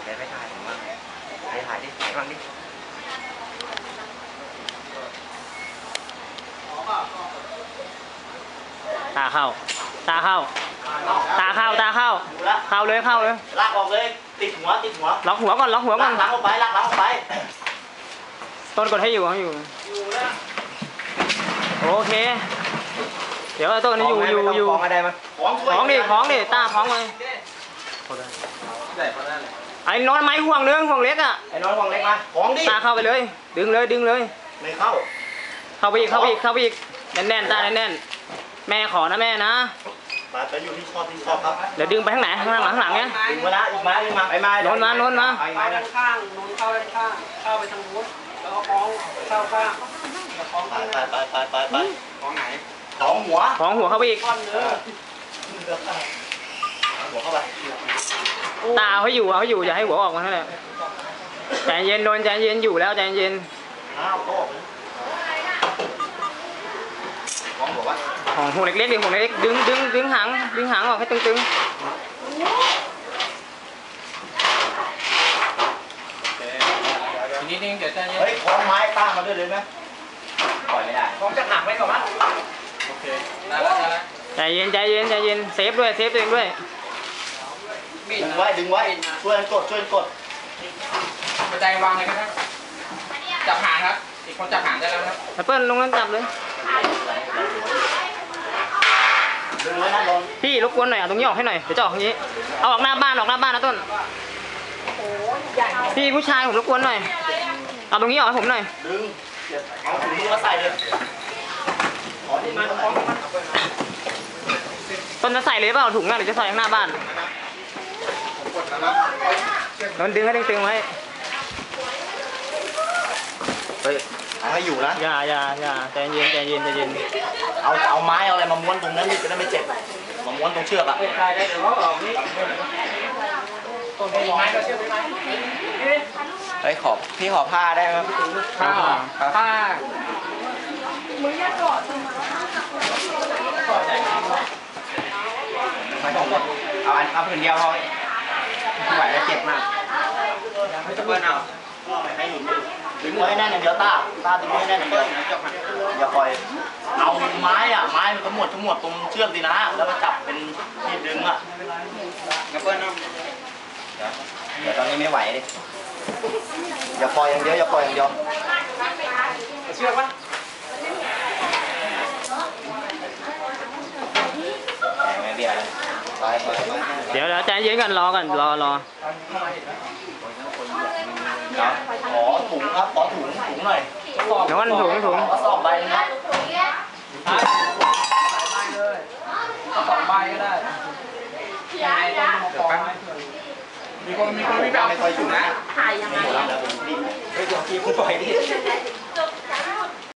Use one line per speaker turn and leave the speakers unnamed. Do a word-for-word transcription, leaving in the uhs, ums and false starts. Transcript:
แกไม่ถ่ายผมว่าไปถ่ายดิถ่ายบ้างดิ
ตาเข้าตาเข้าตาเข้าตาเข้าเข้าเลยเข้าเลย
ลากออกเลยติดหัวติดหัว
ล็อกหัวก่อนล็อกหัวก่อน
ลากหลังออกไปลากหลังออกไป
ต้นกดให้อยู่ให้อยู่โอเคเดี๋ยวต้นนี้อยู่อยู่อยู่ของอะไรมาของดิของดิตาของเลยไอ้น้อยไม้ห่วงนึงห่วงเล็กอ่ะ
ไอ้น้อยห่วงเล็กมาของดิ
ตาเข้าไปเลยดึงเลยดึงเลย
ไม่เข้า
เข้าไปอีกเข้าไปอีกเข้าไปอีกแน่นแน่นตาแน่นแน่นแม่ขอนะแม่นะ
มาไปอยู่ที่ชอบที่ชอบครับ
เดี๋ยวดึงไปข้างไหนข้างหลังข้างหลังเนี้ย
ดึงมาละอีกมาอีกมาไปมา
โน้นมาโน้นมา
ไปด้านข้างโน้นเข้าด้านข้างเข้าไปทางนู้นแล้วก็คล้องเข้าข้างคล้องไป
ไปไปไปไปคล้องไหนคล้องหัว
คล้องหัวเข้าไปอีก
ก้อนเนื้อหัวเข้าไป
ตาเขาอยู่เขาอยู่อย่าให้หัวออกมาเท่านั้นใจเย็นโดนใจเย็นอยู่แล้วใจเย็น
อ้าวโต๊ะของหัววะ
ของหัวเล็กๆดิหัวเล็กดึงดึงดึงหางดึงหางออกให้ตึงๆ
นิดนึงเดี๋ยวจะ
เฮ้ยคล้องไม้ตั้งมาด้วยเลยไหมปล่อยไม่ได้
คล้องจะหักไว้ก่อนมั้ยโอเคได้แล้วได้แล้ว
ใจเย็นใจเย็นใจเย็นเซฟด้วยเซฟตัวเองด้วย
ดึงไว้ดึงไว้ช่วยกดช่วยกด
กระจายวางเลยครับจับหางครับอีกคนจับหางได้แล้วครับ
แอปเปิ้ลลงนั้นจับเลย
ดึงไว้นะลง
พี่รบกวนหน่อยเอาตรงนี้ออกให้หน่อยเดี๋ยวจะออกทางนี้เอาออกหน้าบ้านออกหน้าบ้านนะต้นพี่ผู้ชายผมรบกวนหน่อยเอาตรงนี้ออกให้ผมหน่อย
ดึงเอาถุงมือมาใส่เลยขอที่มาขอที่มา
ต้นจะใส่เลยเปล่าถุงน่ะหรือจะใส่ข้างหน้าบ้านมันดึงให้ตึงๆไว้
เฮ้ยเอาให้อยู่นะ
อย่าอย่าอย่าใจเย็นใจเย็นใจเย็น
เอาเอาไม้เอาอะไรมาม้วนตรงนั้นนี่จะได้ไม่เจ็บมาม้วนตรงเชือกอะ
ได้ได้เดี๋ยวเขาออกนี่ต้นไม้ก็เชือกไม้
เฮ้ยขอบพี่ขอผ้าได้ไหม
ผ้าผ้า
มือยัดเกาะทำไม
เอาอันเอาผืนเดียวพอไหวแล้วเจ็บมาก
ไม่ต้องเบิ้ลเอา
ดึงไว้แน่นอย่างเดียวตาตาดึงไว้แน่นอย่างเดียวอย่าปล่อยเอาไม้อะไม้มันทั้งหมดทั้งหมดตรงเชือกดีนะแล้วก็จับเป็นที่ดึงอะ
อย่าเบิ้ลเอา
เดี๋ยวตอนนี้ไม่ไหวดิอย่าปล่อยอย่างเดียวอย่าปล่อยอย่างเดียว
เชือกปะ
ไม่เบี้ยเลยไปไปไป
เดี๋ยวเดี๋ยวใจเย็นกันรอกันรอรอ
ขอถุงครับขอถุงถุงหน่อย
เดี๋ยววันถุงถุง
ขอสอบใบนะ
หลายใบเลยสองใบก็ได้ยังไงต้องมาขอมีคนมีคนมีแบบไม่ค่อยอยู่นะ
ถ่ายยังไง
เฮ้ยเดี๋ยวพี่คุณปล่อยดิ